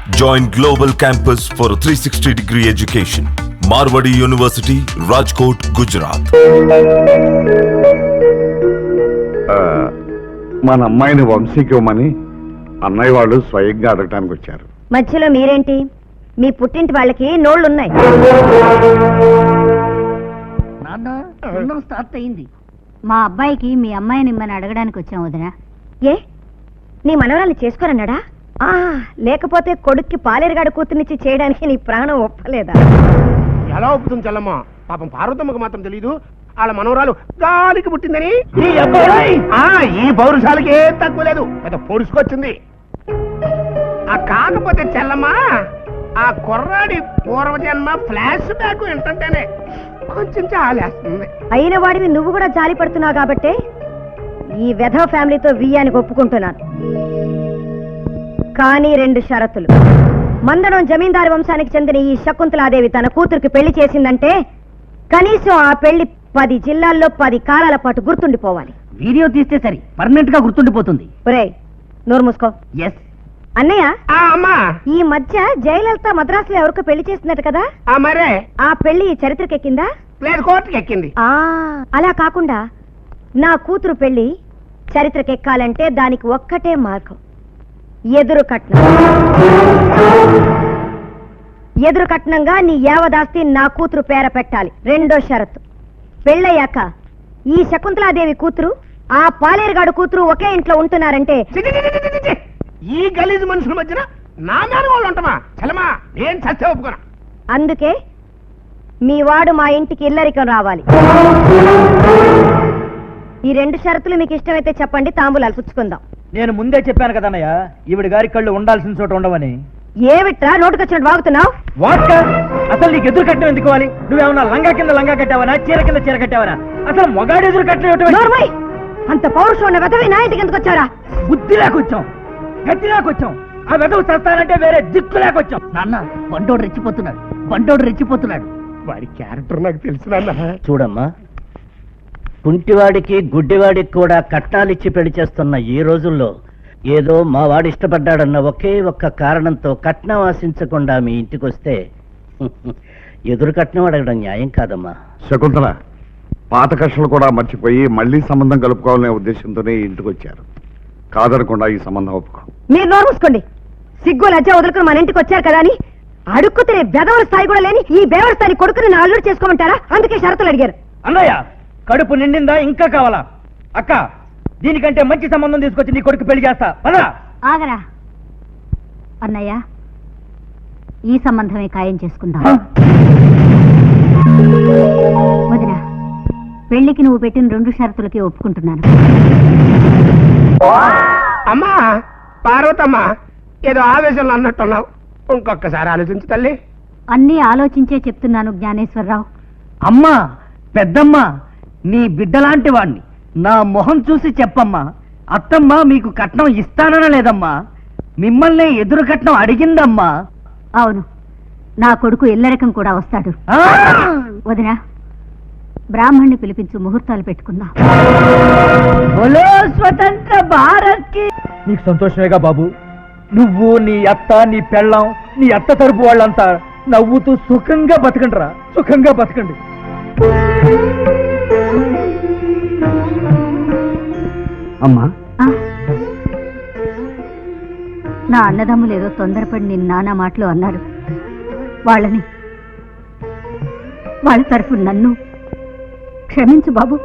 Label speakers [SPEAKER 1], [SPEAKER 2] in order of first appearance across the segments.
[SPEAKER 1] Join Global Campus for a 360-degree education. Marwadi University, Rajkot, Gujarat.
[SPEAKER 2] మన అమ్మాయిని వంశీకి ఇవ్వమని అన్నయ్య వాళ్ళు స్వయంగా అడగటానికి వచ్చారు.
[SPEAKER 3] మధ్యలో మీరేంటి? మీ పుట్టింటి వాళ్ళకి నోళ్ళున్నాయి.
[SPEAKER 4] నాన్న స్టార్ట్ అయింది. మా అబ్బాయికి మీ అమ్మాయిని ఇమ్మని అడగడానికి వచ్చాం వదినా.
[SPEAKER 3] ఏ నీ మనవరాలు చేసుకోరన్నాడా? లేకపోతే కొడుక్కి పాలేరుగాడు కూతుర్నిచ్చి చేయడానికి నీ ప్రాణం ఒప్పలేదా?
[SPEAKER 5] ఎలా ఒప్పుతుంది చెల్లమ్మ? పాపం పార్వతమ్మకు మాత్రం తెలీదు వాళ్ళ మనవరాలు గాలికి పుట్టిందని. ఈ పౌరుషాలకి ఏం తక్కువ లేదు, పెద్ద పొడుచుకొచ్చింది. కాకపోతే చెల్లమ్మ, ఆ కుర్రాడి పూర్వజన్మ ఫ్లాష్ బ్యాక్ ఏంటంటేనే కొంచెం చాలేస్తుంది.
[SPEAKER 3] అయిన వాడివి నువ్వు కూడా జాలి పడుతున్నావు కాబట్టి ఈ వెధవ ఫ్యామిలీతో వియ్యానికి ఒప్పుకుంటున్నాను. కానీ 2 షరతులు. మందడం జమీందారు వంశానికి చెందిన ఈ శకుంతలాదేవి తన కూతురికి పెళ్లి చేసిందంటే కనీసం ఆ పెళ్లి 10 జిల్లాల్లో 10 కాలాల పాటు గుర్తుండిపోవాలి.
[SPEAKER 4] వీడియో తీస్తే సరి పర్మనెంట్ గా గుర్తుండిపోతుంది.
[SPEAKER 3] ఒరేయ్ నోరు మూసుకో.
[SPEAKER 4] ఎస్
[SPEAKER 3] అన్నయ్య,
[SPEAKER 5] అమ్మా
[SPEAKER 3] ఈ మధ్య జయలలిత మద్రాసులో ఎవరికో పెళ్లి చేస్తున్నట్టు కదా?
[SPEAKER 5] మరే
[SPEAKER 3] ఆ పెళ్లి చరిత్రకెక్కిందా?
[SPEAKER 5] లేదు, కోర్టుకి ఎక్కింది.
[SPEAKER 3] అలా కాకుండా నా కూతురు పెళ్లి చరిత్రకెక్కాలంటే దానికి ఒక్కటే మార్గం, ఎదురు కట్నం. ఎదురు కట్నంగా నీ యావదాస్తి నా కూతురు పేర పెట్టాలి. 2వ షరతు, పెళ్ళయ్యాక ఈ శకుంతలాదేవి కూతురు ఆ పాలేరుగాడు కూతురు ఒకే ఇంట్లో ఉంటున్నారంటే
[SPEAKER 5] ఈ గలీజు మనుషుల మధ్యన నా మీద వాళ్ళు ఉంటామా? చలమా ఏం చచ్చే ఒప్పుకోనా?
[SPEAKER 3] అందుకే మీ వాడు మా ఇంటికి ఇల్లరికం రావాలి. ఈ 2 షరతులు మీకు ఇష్టమైతే చెప్పండి, తాంబూలాలు పుచ్చుకుందాం.
[SPEAKER 6] నేను ముందే చెప్పాను కదన్నయ్య, ఈవిడ గారి కళ్ళు ఉండాల్సిన చోట ఉండవని.
[SPEAKER 3] ఏమిట్రా నోటుకొచ్చినట్టు వాగుతున్నావు?
[SPEAKER 6] వాట్? అసలు నీకు ఎదురు కట్టడం ఎందుకు కావాలి? నువ్వేమన్నా లంగా కింద లంగా కట్టావనా, చీర కింద చీర కట్టావనా? అసలు మొగాడు ఎదురు కట్టడం.
[SPEAKER 3] అంత పౌరుషం ఉన్న వెధవి నా ఇంటికి ఎందుకు వచ్చారా?
[SPEAKER 6] బుద్ధి లేకొచ్చాం, గట్టి లేకొచ్చాం. ఆ వెధవు చస్తానంటే వేరే దిక్కు లేకొచ్చాం.
[SPEAKER 4] నాన్న బండోడు రెచ్చిపోతున్నాడు.
[SPEAKER 5] వాడి క్యారెక్టర్ నాకు తెలుసు నాన్న.
[SPEAKER 7] చూడమ్మా, కుంటివాడికి గుడ్డివాడికి కూడా కట్నాలిచ్చి పెళ్లి చేస్తున్న ఈ రోజుల్లో ఏదో మా వాడు ఇష్టపడ్డాడన్న ఒకే ఒక్క కారణంతో కట్నం ఆశించకుండా మీ ఇంటికి వస్తే ఎదురు కట్నం అడగడం న్యాయం కాదమ్మా.
[SPEAKER 2] శకుంతల, పాత కక్షలు కూడా మర్చిపోయి మళ్లీ సంబంధం కలుపుకోవాలనే ఉద్దేశంతోనే ఇంటికి వచ్చారు. కాదనకుండా ఈ సంబంధం ఒప్పుకో.
[SPEAKER 3] మీరు నోరు మూసుకోండి. సిగ్గు లజ్జ వదులుకుని మన ఇంటికి వచ్చారు కదా అని అడుక్కు తినే బెదవల స్థాయి కూడా లేని ఈ బేవల స్థాయి కొడుకుని నా అల్లుడు చేసుకోమంటారా? అందుకే షరతులు అడిగారు.
[SPEAKER 6] అన్నయ్య, కడుపు నిండిందా? ఇంకా కావాలా? అక్క, దీనికంటే మంచి సంబంధం తీసుకొచ్చి నీ కొడుకు పెళ్లి చేస్తా. పదా
[SPEAKER 4] ఆగరా అన్నయ్య, ఈ సంబంధమే ఖాయం చేసుకుందాం. వదినా, పెళ్లికి నువ్వు పెట్టిన 2 షరతులకి ఒప్పుకుంటున్నాను.
[SPEAKER 5] అమ్మా పార్వతమ్మ, ఏదో ఆవేశంలో అన్నట్టున్నావు, ఇంకొకసారి ఆలోచించు తల్లి.
[SPEAKER 4] అన్నీ ఆలోచించే చెప్తున్నాను జ్ఞానేశ్వరరావు.
[SPEAKER 6] అమ్మా, పెద్దమ్మ, నీ బిడ్డలాంటి వాణ్ణి, నా మొహం చూసి చెప్పమ్మా. అత్తమ్మ మీకు కట్నం ఇస్తానన లేదమ్మా, మిమ్మల్ని ఎదురు కట్నం అడిగిందమ్మా.
[SPEAKER 4] అవును, నా కొడుకు ఇల్లరకం కూడా వస్తాడు. వదినా, బ్రాహ్మణ్ణి పిలిపించు, ముహూర్తాలు పెట్టుకుందాం.
[SPEAKER 6] బోలో స్వతంత్ర భారత్ కి. నీకు సంతోషమేగా బాబు? నువ్వు, నీ అత్త, నీ పెళ్ళాం, నీ అత్త తరపు వాళ్ళంతా నవ్వుతూ సుఖంగా బతకండి రా, సుఖంగా బతకండి.
[SPEAKER 2] అమ్మా,
[SPEAKER 4] నా అన్నదమ్ములు ఏదో తొందరపడి నేను నానా మాటలు అన్నారు. వాళ్ళ తరఫు నన్ను క్షమించు బాబు.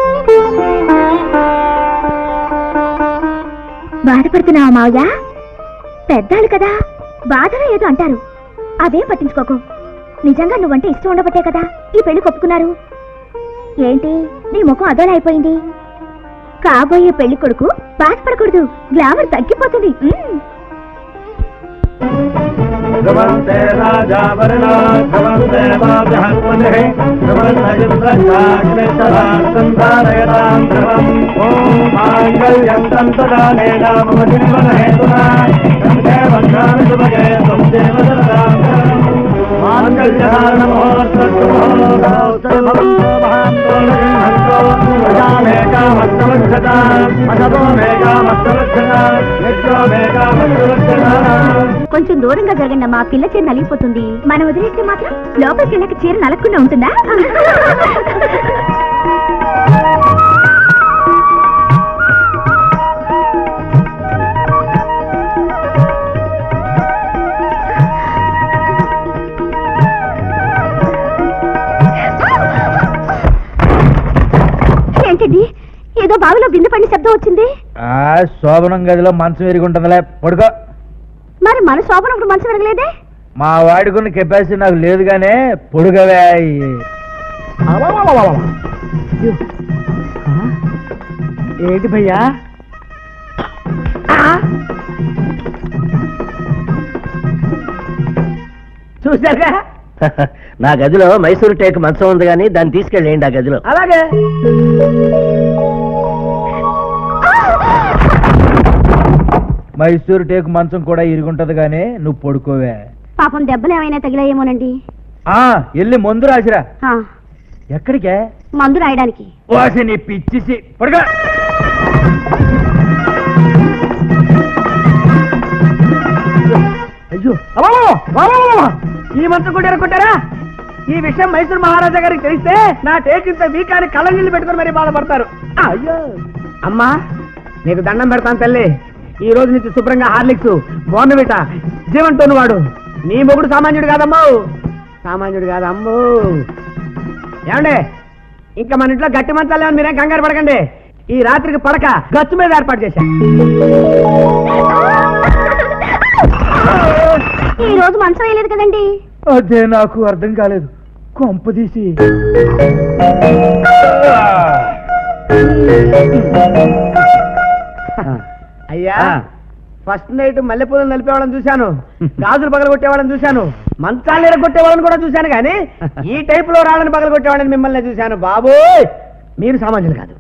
[SPEAKER 3] బాధపడుతున్నావా మావయ్య? పెద్దాళ్ళు కదా, బాధలో ఏదో అంటారు, అవేం పట్టించుకోకు. నిజంగా నువ్వంటే ఇష్టం ఉండబట్టే కదా ఈ పెళ్లి కొప్పుకున్నారు. ఏంటి నీ ముఖం అదోలా అయిపోయింది? కాబోయే పెళ్లి కొడుకు బాధపడకూడదు, గ్లామర్ తగ్గిపోతుంది.
[SPEAKER 6] ధ్రువంతే రాజా వరుణో ధ్రువంతే బృహస్పతిః ధ్రువంతయుద్ధరాజాగ్నిశ్చరార్థంధారయతాం ధ్రువం. ఓం మాంగళ్యం తంతుదానేన మమ జీవన హేతునా కంఠే భద్రామి శుభగే త్వం దేవ సరదాం శరణం. మాంగళ్యధారణ ముహూర్తస్సు ముహూర్తౌ సర్వం మహాంతో
[SPEAKER 3] కొంచెం దూరంగా జరగండి, మా పిల్ల చీర నలిగిపోతుంది. మనం వదిలేస్తే మాత్రం లోపలికి వెళ్ళక చీర నలగకుండా ఉంటుందా? ఏంటండి, ఏదో బావిలో బిందె పడిన శబ్దం వచ్చింది.
[SPEAKER 6] శోభనం గదిలో మంచం ఎరుగుంటుందిలే, పడుకో.
[SPEAKER 3] మరి మన శోభనప్పుడు మంచం విరగలేదే?
[SPEAKER 6] మా వాడుకున్న కెపాసిటీ నాకు లేదు గానే పొడుగవే. ఏంటి భయ్యా?
[SPEAKER 7] చూసారా? నా గదిలో మైసూరు టేక్ మంచం ఉంది కానీ దాన్ని తీసుకెళ్ళేయండి ఆ గదిలో.
[SPEAKER 6] అలాగే. మైసూరు టేకు మంచం కూడా ఇరుగుంటది గానీ నువ్వు పడుకోవే.
[SPEAKER 3] పాపం దెబ్బలు ఏమైనా తగిలాయేమోనండి.
[SPEAKER 6] వెళ్ళి మందు రాసిరా.
[SPEAKER 3] ఆ,
[SPEAKER 6] ఎక్కడికే?
[SPEAKER 3] మందు రాయడానికి.
[SPEAKER 6] వాసి నీ పిచ్చిసి పడుకో. అయ్యో, ఈ మంచం కూడా ఎరగొట్టారా? ఈ విషయం మైసూరు మహారాజా గారికి తెలిస్తే నా టేక్ ఇంత వీకాన్ని కళ్ళ నీళ్ళు పెట్టుకుని మరీ బాధపడతారు. అయ్యో అమ్మా, నీకు దండం పెడతాను తల్లి. ఈ రోజు నుంచి శుభ్రంగా హార్లిక్స్, బోర్నవిట, జీవంతోను వాడు. నీ మొగుడు సామాన్యుడు కాదమ్మో, సామాన్యుడు కాదమ్మో. ఏమండే, ఇంకా మన ఇంట్లో గట్టి మంచాలు ఏమని మీరేం కంగారు పడకండి. ఈ రాత్రికి పడక గచ్చు మీద ఏర్పాటు చేశా.
[SPEAKER 3] ఈ రోజు మంచం వేయలేదు కదండి.
[SPEAKER 6] అదే నాకు అర్థం కాలేదు. కొంపదీసి అయ్యా, ఫస్ట్ నైట్ మల్లెపూలను నలిపేవాళ్ళని చూశాను, గాజులు పగలగొట్టేవాళ్ళని చూశాను, మంచాలు ఎరగొట్టేవాళ్ళని కూడా చూశాను, కానీ ఈ టైప్ లో రాళ్ళని పగలగొట్టేవాళ్ళని మిమ్మల్ని చూశాను. బాబోయ్, మీరు సామాన్యులు కాదు.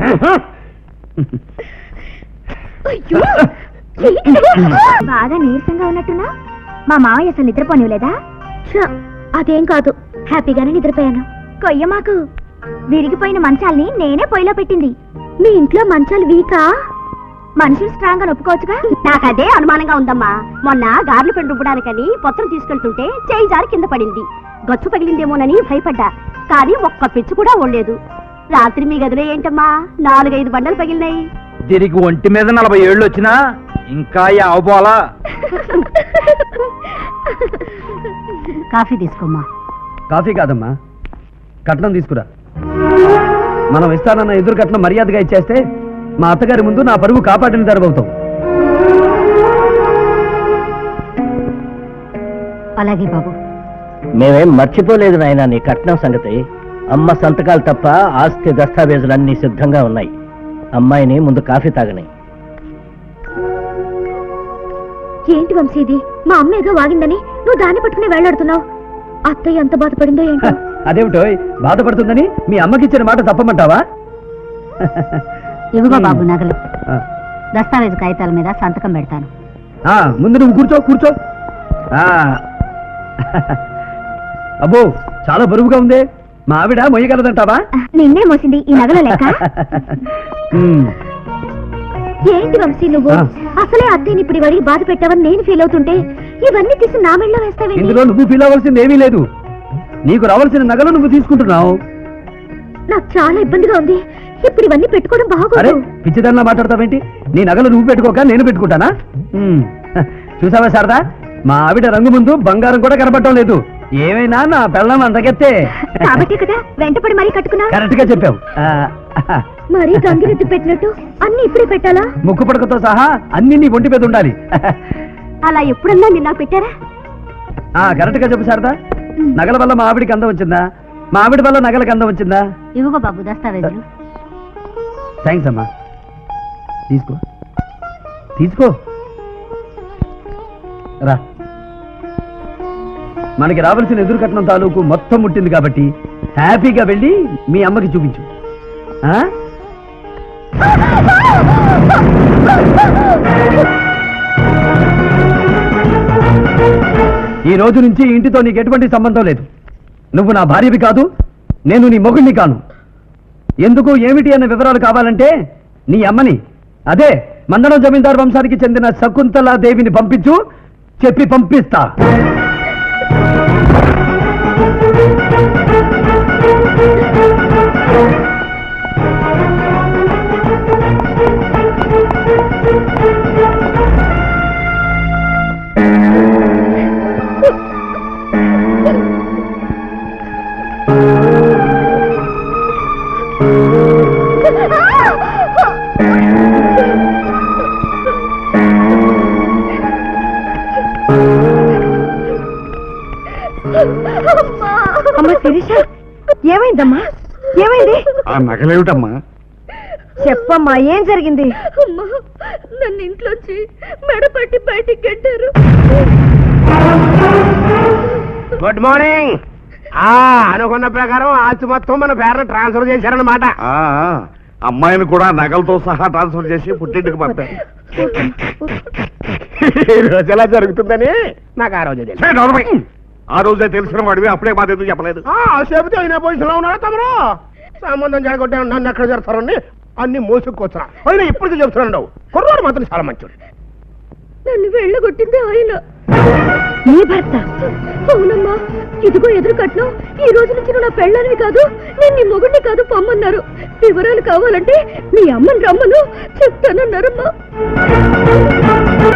[SPEAKER 3] బాగా నీరసంగా ఉన్నట్టున్నా? మా మావయ్య అసలు నిద్రపోనివ్వలేదా? అదేం కాదు, హ్యాపీగానే నిద్రపోయాను. కొయ్య మాకు విరిగిపోయిన మంచాల్ని నేనే పొయ్యిలో పెట్టింది. మీ ఇంట్లో మంచాలు వీకా? మనుషులు స్ట్రాంగ్ అని ఒప్పుకోవచ్చుగా. నాకు అదే అనుమానంగా ఉందమ్మా. మొన్న గార్లు పెండు రుబ్బడానికని పొత్తం తీసుకెళ్తుంటే చేయి జారి కింద పడింది. గచ్చు పగిలిందేమోనని భయపడ్డా, కానీ ఒక్క పిచ్చు కూడా ఓడలేదు. రాత్రి మీ గదిలో ఏంటమ్మా 4-5 బండలు పగిలినాయి.
[SPEAKER 6] దీనికి ఒంటి మీద 40 ఏళ్ళు వచ్చినా ఇంకా అవపోలా.
[SPEAKER 4] కాఫీ తీసుకోమ్మా.
[SPEAKER 8] కాఫీ కాదమ్మా, కట్నం తీసుకురా. మనం ఇస్తానన్న ఎదురు కట్నం మర్యాదగా ఇచ్చేస్తే మా అత్తగారి ముందు నా పరువు కాపాడిన జరగవుతాం.
[SPEAKER 4] అలాగే బాబు.
[SPEAKER 7] మేమేం మర్చిపోలేదు నాయనా నీ కట్నం సంగతి. అమ్మ సంతకాలు తప్ప ఆస్తి దస్తావేజులన్నీ సిద్ధంగా ఉన్నాయి. అమ్మాయిని ముందు కాఫీ తాగని.
[SPEAKER 3] ఏంటి వంశీ ఇది? మా అమ్మ ఏదో వాగిందని నువ్వు దాన్ని పట్టుకుని వేళ్లాడుతున్నావు. అత్తయ్య ఎంత బాధపడిందో ఏంటో.
[SPEAKER 8] అదేమిటో బాధపడుతుందని మీ అమ్మకిచ్చిన మాట తప్పమంటావా?
[SPEAKER 4] ఇవిగో బాబు నగలు, దస్తావేజు కాగితాల మీద సంతకం పెడతాను.
[SPEAKER 8] ముందు నువ్వు కూర్చో కూర్చో. అబ్బో, చాలా బరువుగా ఉంది. మా ఆవిడ మొయ్యగలదంటావా?
[SPEAKER 3] నిన్నే మోసింది ఈ నగల లెక్క. ఏంటి వంశీ నువ్వు అసలే అత్తయ్యని ఇప్పుడు వాడికి బాధ పెట్టావని నేను ఫీల్ అవుతుంటే ఇవన్నీ తీసి నా మెళ్ళలో వేస్తావేంటి?
[SPEAKER 8] ఇందులో నువ్వు ఫీల్ అవ్వాల్సింది ఏమీ లేదు. నీకు రావాల్సిన నగలు నువ్వు తీసుకుంటున్నావు.
[SPEAKER 3] నాకు చాలా ఇబ్బందిగా ఉంది. ఇప్పుడు ఇవన్నీ పెట్టుకోవడం
[SPEAKER 8] అరే,
[SPEAKER 3] బాగోదు.
[SPEAKER 8] పిచ్చిదానిలా మాట్లాడతావేంటి? నీ నగలు నువ్వు పెట్టుకోక నేను పెట్టుకుంటానా? చూసావా శారదా, మా ఆవిడ రంగు ముందు బంగారం కూడా కనపడటం లేదు. ఏమైనా నా పెళ్ళం అంతకెత్తే.
[SPEAKER 3] కాబట్టి కదా వెంటపడి మరీ కట్టుకున్నా.
[SPEAKER 8] కరెక్ట్ గా చెప్పావు.
[SPEAKER 3] మరీ గంగిరెద్దు పెట్టినట్టు అన్ని ఇప్పుడే పెట్టాలా?
[SPEAKER 8] ముక్కు పడకతో సహా అన్ని నీ ఒంటి మీద ఉండాలి.
[SPEAKER 3] అలా ఎప్పుడన్నా నిన్న పెట్టారా?
[SPEAKER 8] కరెక్ట్ గా చెప్పు శారదా. నగల వల్ల మా ఆవిడికి అందం వచ్చిందా? మా ఆవిడ వల్ల నగలకు అందం వచ్చిందా?
[SPEAKER 4] ఇవిగో బాబు దస్తావేజులు.
[SPEAKER 8] థ్యాంక్స్ అమ్మా. తీసుకో తీసుకో. రా, మనకి రావాల్సిన ఎదురు కట్నం తాలూకు మొత్తం ముట్టింది కాబట్టి హ్యాపీగా వెళ్ళి మీ అమ్మకి చూపించు. ఈ రోజు నుంచి ఇంటితో నీకు ఎటువంటి సంబంధం లేదు. నువ్వు నా భార్యవి కాదు, నేను నీ మొగుడిని కాను. ఎందుకు ఏమిటి అన్న వివరాలు కావాలంటే నీ అమ్మని, అదే మందడం జమీందారు వంశానికి చెందిన శకుంతలా దేవిని పంపించు, చెప్పి పంపిస్తా.
[SPEAKER 3] అమ్మ శిరీష, ఏమైందమ్మా? ఏమైంది?
[SPEAKER 2] ఆ నగలేమిటమ్మా?
[SPEAKER 3] చెప్పమ్మా, ఏం జరిగింది?
[SPEAKER 9] అమ్మా, నన్ను ఇంట్లోంచి మెడపట్టి బయటికి గెట్టారు.
[SPEAKER 5] Good morning. అనుకున్న ప్రకారం ఆస్తి మొత్తం మన పేరున ట్రాన్స్ఫర్ చేశారన్నమాట.
[SPEAKER 2] ఆ, అమ్మాయిని కూడా నగలతో సహా ట్రాన్స్ఫర్ చేసి పుట్టింటికి పంపారు.
[SPEAKER 5] ఈ రోజు ఎలా జరుగుతుందని నాకు ఆ రోజే తెలుసు.
[SPEAKER 2] ఏ నోర్మై! ఆ రోజే తెలిసిన వాడివి అప్పుడే మాది ఎందుకు చెప్పలేదు?
[SPEAKER 5] చెబితే అయినా పొజిషన్ లో ఉన్నారా తమరు? సంబంధం జరగొట్టే నన్ను ఎక్కడ జరుగుతారండి, అన్ని మోసుకొచ్చున్నా. అయినా ఇప్పటికీ చెప్తున్నాడు, కుర్రాడు మాత్రం చాలా మంచోడు.
[SPEAKER 9] నన్ను వెళ్ళగొట్టింది ఆయన.
[SPEAKER 3] నీ భర్త?
[SPEAKER 9] అవునమ్మా, ఇదిగో ఎదురు కట్నం. ఈ రోజు నుంచి నువ్వు నా పెళ్ళానివి కాదు, నేను నీ మొగుడిని కాదు పొమ్మన్నారు. వివరాలు కావాలంటే మీ అమ్మని రమ్మను చెప్తానన్నారమ్మా.